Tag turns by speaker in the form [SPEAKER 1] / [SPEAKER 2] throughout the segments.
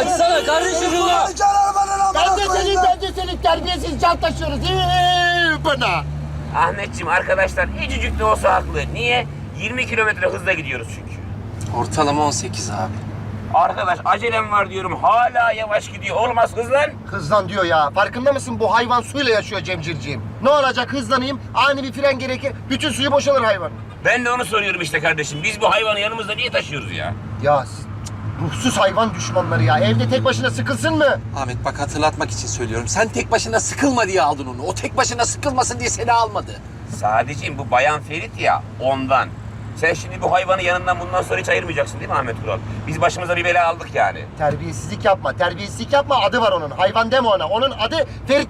[SPEAKER 1] Açsana kardeşim şunu.
[SPEAKER 2] Ben de senin terbiyesiz can taşıyoruz. Bana.
[SPEAKER 3] Ahmetciğim arkadaşlar ecicik de olsa haklı. Niye? 20 kilometre hızla gidiyoruz çünkü.
[SPEAKER 1] Ortalama 18 abi.
[SPEAKER 3] Arkadaş acelem var diyorum hala yavaş gidiyor. Olmaz hızlan.
[SPEAKER 2] Hızlan diyor ya. Farkında mısın? Bu hayvan suyla yaşıyor Cemcirciğim. Ne olacak hızlanayım? Ani bir fren gerekir. Bütün suyu boşalır hayvan.
[SPEAKER 3] Ben de onu soruyorum işte kardeşim. Biz bu hayvanı yanımızda niye taşıyoruz ya?
[SPEAKER 2] Ya siz ruhsuz hayvan düşmanları ya. Evde tek başına sıkılsın mı?
[SPEAKER 1] Ahmet bak hatırlatmak için söylüyorum. Sen tek başına sıkılma diye aldın onu. O tek başına sıkılmasın diye seni almadı.
[SPEAKER 3] Sadece bu Bayan Ferit ya ondan. Sen şimdi bu hayvanı yanından bundan sonra hiç ayırmayacaksın değil mi Ahmet Kural? Biz başımıza bir bela aldık yani.
[SPEAKER 2] Terbiyesizlik yapma. Terbiyesizlik yapma. Adı var onun. Hayvan deme ona. Onun adı Ferit.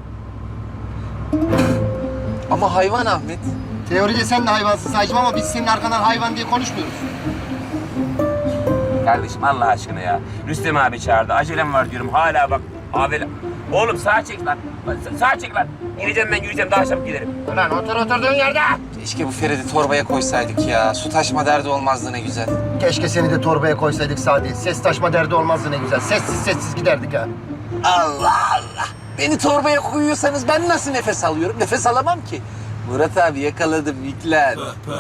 [SPEAKER 1] Ama hayvan Ahmet.
[SPEAKER 2] Teoride sen de hayvansın Saycım ama biz senin arkandan hayvan diye konuşmuyoruz.
[SPEAKER 3] Kardeşim Allah aşkına ya. Rüstem abi çağırdı. Acelem var diyorum. Hala bak. Abi... Oğlum sağa çek lan. Sağa çek lan. Gireceğim ben yürüyeceğim. Daha çabuk giderim.
[SPEAKER 2] Ulan otur oturduğun yerde.
[SPEAKER 1] Keşke bu Ferit'i torbaya koysaydık ya. Su taşma derdi olmazdı ne güzel.
[SPEAKER 2] Keşke seni de torbaya koysaydık Sadi. Ses taşma derdi olmazdı ne güzel. Sessiz sessiz giderdik ha.
[SPEAKER 1] Allah Allah. Beni torbaya koyuyorsanız ben nasıl nefes alıyorum? Nefes alamam ki. Murat abi yakaladım yüklen.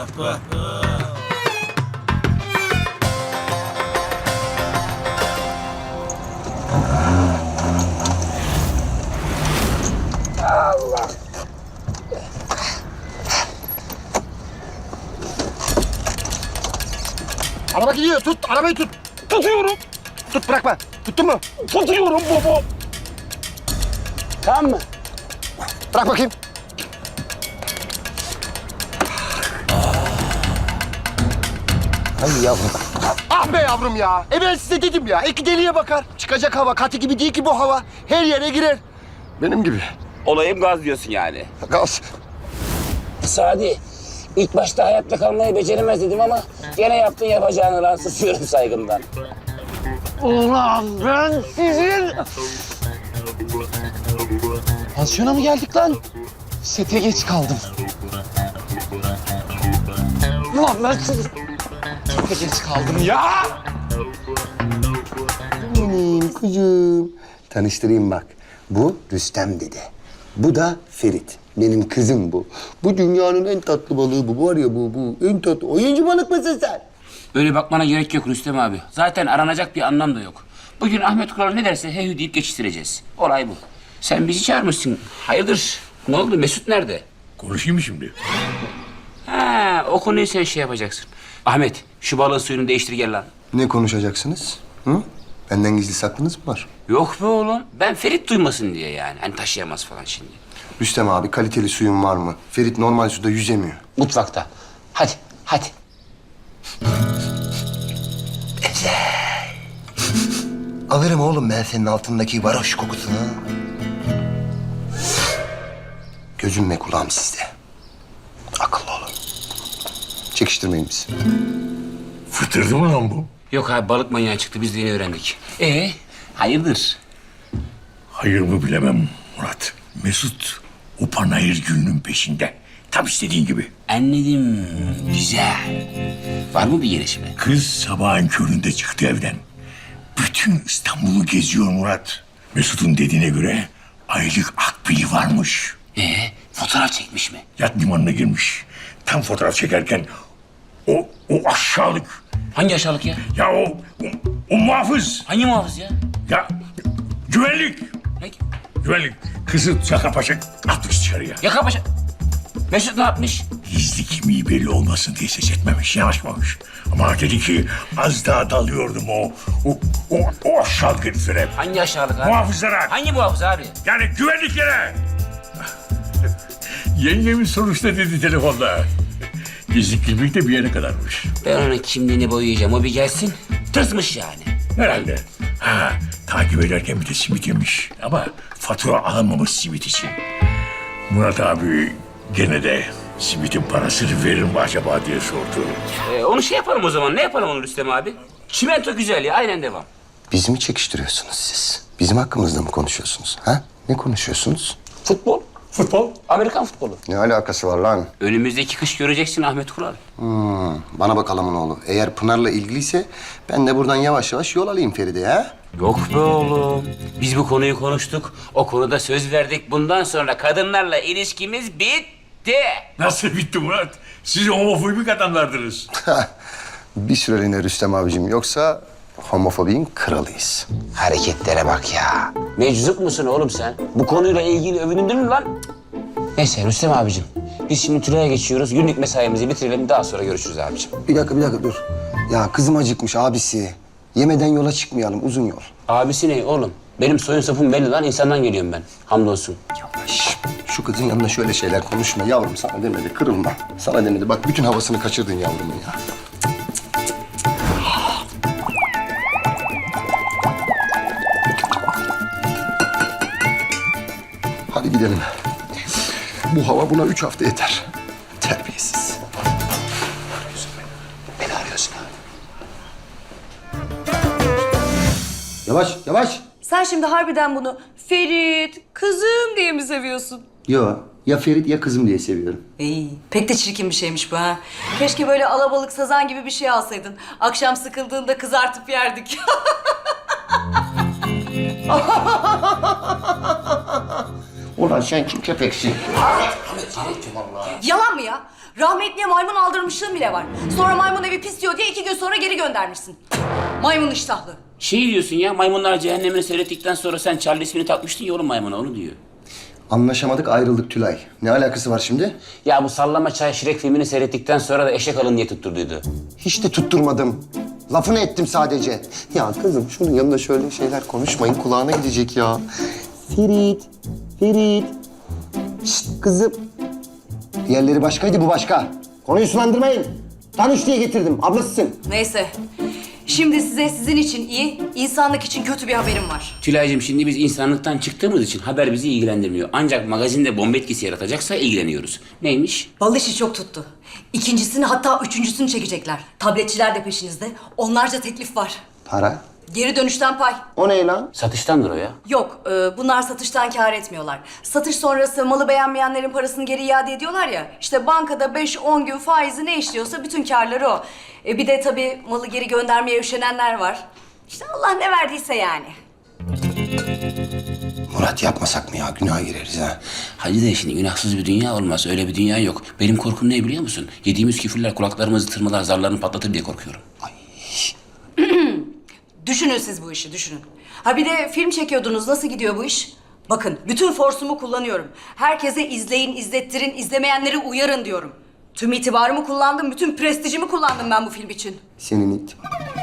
[SPEAKER 2] Araba gidiyor. Tut. Arabayı tut.
[SPEAKER 3] Tutuyorum.
[SPEAKER 2] Tut bırakma. Tuttun mu?
[SPEAKER 3] Tutuyorum baba. Tamam mı?
[SPEAKER 2] Bırak bakayım. Ay yavrum. Ah be yavrum ya. Ben size dedim ya. İki deliye bakar. Çıkacak hava. Katı gibi değil ki bu hava. Her yere girer. Benim gibi.
[SPEAKER 3] Olayım gaz diyorsun yani.
[SPEAKER 2] Gaz.
[SPEAKER 3] Sadi, ilk başta hayatta kalmayı beceremez dedim ama gene yaptın yapacağını lan susuyorum saygımdan.
[SPEAKER 2] Ulan ben sizin...
[SPEAKER 1] Pansiyona mı geldik lan? Sete geç kaldım. Ulan ben sete geç kaldım ya.
[SPEAKER 2] Benim kuzum. Tanıştırayım bak. Bu Rüstem dede. Bu da Ferit. Benim kızım bu. Bu dünyanın en tatlı balığı bu. Var ya bu en tatlı. Oyuncu balık mısın sen?
[SPEAKER 3] Öyle bakmana gerek yok Rüstem abi. Zaten aranacak bir anlam da yok. Bugün Ahmet Kural ne derse heyhü deyip geçiştireceğiz. Olay bu. Sen bizi çağırmışsın. Hayırdır? Ne oldu? Mesut nerede?
[SPEAKER 4] Konuşayım mı şimdi?
[SPEAKER 3] Ha, o konuyu sen şey yapacaksın. Ahmet, şu balığın suyunu değiştir gel lan.
[SPEAKER 2] Ne konuşacaksınız? Hı? Benden gizli saklınız mı var?
[SPEAKER 3] Yok be oğlum. Ben Ferit duymasın diye yani. Hani taşıyamaz falan şimdi.
[SPEAKER 2] Rüstem abi kaliteli suyun var mı? Ferit normal suda yüzemiyor.
[SPEAKER 3] Mutfakta. Hadi, hadi.
[SPEAKER 2] Alırım oğlum ben senin altındaki varoş kokusunu. Gözüm ve kulağım sizde. Akıllı olun. Çekiştirmeyin bizi.
[SPEAKER 4] Fıtırdı mı lan bu?
[SPEAKER 3] Yok abi balık manyağı çıktı. Biz de yeni öğrendik. Hayırdır?
[SPEAKER 4] Hayır mı bilemem Murat. Mesut o panayır gününün peşinde. Tam istediğin gibi.
[SPEAKER 3] Anladım. Güzel. Var mı bir gelişme?
[SPEAKER 4] Kız sabahın köründe çıktı evden. Bütün İstanbul'u geziyor Murat. Mesut'un dediğine göre aylık akbili varmış.
[SPEAKER 3] Fotoğraf çekmiş mi?
[SPEAKER 4] Yat limanına girmiş. Tam fotoğraf çekerken o aşağılık.
[SPEAKER 3] Hangi aşağılık ya?
[SPEAKER 4] Ya o muhafız.
[SPEAKER 3] Hangi muhafız ya?
[SPEAKER 4] Ya güvenlik.
[SPEAKER 3] Ne?
[SPEAKER 4] Güvenlik. Kızı Çakapaşa atmış dışarıya.
[SPEAKER 3] Yaka paşa. Mesut ne yapmış?
[SPEAKER 4] Gizli kimliği belli olmasın diye ses etmemiş, yanaşmamış. Ama dedi ki az daha dalıyordum o aşağılık heriflere.
[SPEAKER 3] Hangi aşağılık abi?
[SPEAKER 4] Muhafızlara.
[SPEAKER 3] Hangi muhafız abi?
[SPEAKER 4] Yani güvenliklere. Yengemin sonuçta dedi telefonda. Gizli kimlik de bir yere kadarmış.
[SPEAKER 3] Ben onun kimliğini boyayacağım. O bir gelsin. Tırsmış yani.
[SPEAKER 4] Herhalde. Takip ederken bir de simit yemiş. Ama fatura alamamış simit için. Murat abi gene de simitin parasını verir mi acaba diye sordu.
[SPEAKER 3] Onu şey yapalım o zaman. Ne yapalım onu Rüstem abi? Çimento güzel ya. Aynen devam.
[SPEAKER 2] Bizi mi çekiştiriyorsunuz siz? Bizim hakkımızda mı konuşuyorsunuz? Ha? Ne konuşuyorsunuz?
[SPEAKER 3] Futbol.
[SPEAKER 4] Futbol?
[SPEAKER 3] Amerikan futbolu.
[SPEAKER 2] Ne alakası var lan?
[SPEAKER 3] Önümüzdeki kış göreceksin Ahmet Kural.
[SPEAKER 2] Bana bakalım oğlu. Eğer Pınar'la ilgiliyse ben de buradan yavaş yavaş yol alayım Feride ha.
[SPEAKER 3] Yok be oğlum. Biz bu konuyu konuştuk. O konuda söz verdik. Bundan sonra kadınlarla ilişkimiz bitti.
[SPEAKER 4] Nasıl bitti Murat? Siz homofobik adamlardınız.
[SPEAKER 2] Bir süreliğine Rüstem abicim. Yoksa homofobinin kralıyız.
[SPEAKER 3] Hareketlere bak ya. Meczup musun oğlum sen? Bu konuyla ilgili övünüldün mü lan? Neyse Rüstem abicim. Biz şimdi Tülay'a geçiyoruz. Günlük mesaimizi bitirelim. Daha sonra görüşürüz abicim.
[SPEAKER 2] Bir dakika dur. Ya kızım acıkmış abisi. Yemeden yola çıkmayalım uzun yol.
[SPEAKER 3] Abisi ne oğlum? Benim soyun sapım belli lan. İnsandan geliyorum ben. Hamdolsun.
[SPEAKER 2] Şş, şu kızın yanında şöyle şeyler konuşma yavrum, sana demedi, kırılma. Sana demedi, bak bütün havasını kaçırdın yavrumun ya. Hadi gidelim. Bu hava buna 3 hafta yeter. Terbiyesiz.
[SPEAKER 3] Beni arıyorsun abi.
[SPEAKER 2] Yavaş.
[SPEAKER 5] Sen şimdi harbiden bunu Ferit, kızım diye mi seviyorsun?
[SPEAKER 2] Yo, ya Ferit ya kızım diye seviyorum.
[SPEAKER 5] İyi. Pek de çirkin bir şeymiş bu ha. Keşke böyle alabalık sazan gibi bir şey alsaydın. Akşam sıkıldığında kızartıp yerdik.
[SPEAKER 2] Ulan sen kim köpeksin?
[SPEAKER 5] Yalan mı ya? Rahmetliye maymun aldırmışlığın bile var. Sonra maymun evi pis diyor diye 2 gün sonra geri göndermişsin. Maymun iştahlı.
[SPEAKER 3] Şey diyorsun ya, Maymunlar Cehennemini seyrettikten sonra sen Charlie ismini takmıştın ya oğlum maymuna, onu diyor.
[SPEAKER 2] Anlaşamadık, ayrıldık Tülay. Ne alakası var şimdi?
[SPEAKER 3] Ya bu Sallama Çay Şirek filmini seyrettikten sonra da eşek alın diye tutturduydu.
[SPEAKER 2] Hiç de tutturmadım. Lafını ettim sadece. Ya kızım şunun yanında şöyle şeyler konuşmayın. Kulağına gidecek ya. Ferit. Şşt kızım. Diğerleri başkaydı, bu başka. Konuyu sulandırmayın. Tanış diye getirdim. Ablasısın.
[SPEAKER 5] Neyse. Şimdi size sizin için iyi, insanlık için kötü bir haberim var.
[SPEAKER 3] Tülay'cığım şimdi biz insanlıktan çıktığımız için haber bizi ilgilendirmiyor. Ancak magazinde bomba etkisi yaratacaksa ilgileniyoruz. Neymiş?
[SPEAKER 5] Bal işi çok tuttu. İkincisini hatta üçüncüsünü çekecekler. Tabletçiler de peşinizde. Onlarca teklif var.
[SPEAKER 2] Para.
[SPEAKER 5] Geri dönüşten pay.
[SPEAKER 2] O ne lan?
[SPEAKER 3] Satıştandır o ya.
[SPEAKER 5] Yok, bunlar satıştan kâr etmiyorlar. Satış sonrası malı beğenmeyenlerin parasını geri iade ediyorlar ya. İşte bankada 5-10 gün faizi ne işliyorsa bütün kârları o. Bir de tabii malı geri göndermeye üşenenler var. İşte Allah ne verdiyse yani.
[SPEAKER 2] Murat yapmasak mı ya? Günaha gireriz ha.
[SPEAKER 3] Hadi de şimdi günahsız bir dünya olmaz. Öyle bir dünya yok. Benim korkum ne biliyor musun? Yediğimiz küfürler kulaklarımızı tırmalar, zarlarını patlatır diye korkuyorum.
[SPEAKER 5] Düşünün siz bu işi, düşünün. Ha bir de film çekiyordunuz, nasıl gidiyor bu iş? Bakın, bütün forsumu kullanıyorum. Herkese izleyin, izlettirin, izlemeyenleri uyarın diyorum. Tüm itibarımı kullandım, bütün prestijimi kullandım ben bu film için.
[SPEAKER 2] Senin it.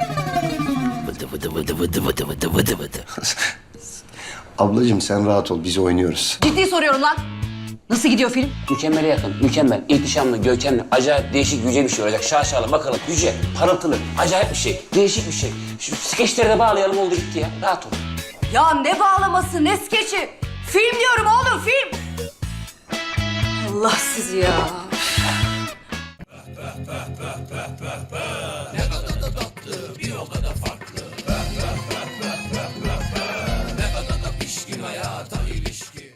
[SPEAKER 2] Ablacığım sen rahat ol, biz oynuyoruz.
[SPEAKER 5] Ciddi soruyorum lan. Nasıl gidiyor film?
[SPEAKER 3] Mükemmele yakın, mükemmel, ihtişamlı, görkemli, acayip değişik, yüce bir şey olacak. Şaşalı, bakalım, yüce, parıltılı, acayip bir şey, değişik bir şey. Şu skeçleri de bağlayalım, oldu gitti ya. Rahat ol.
[SPEAKER 5] Ya ne bağlaması, ne skeçi? Film diyorum oğlum, film! Allah sizi ya.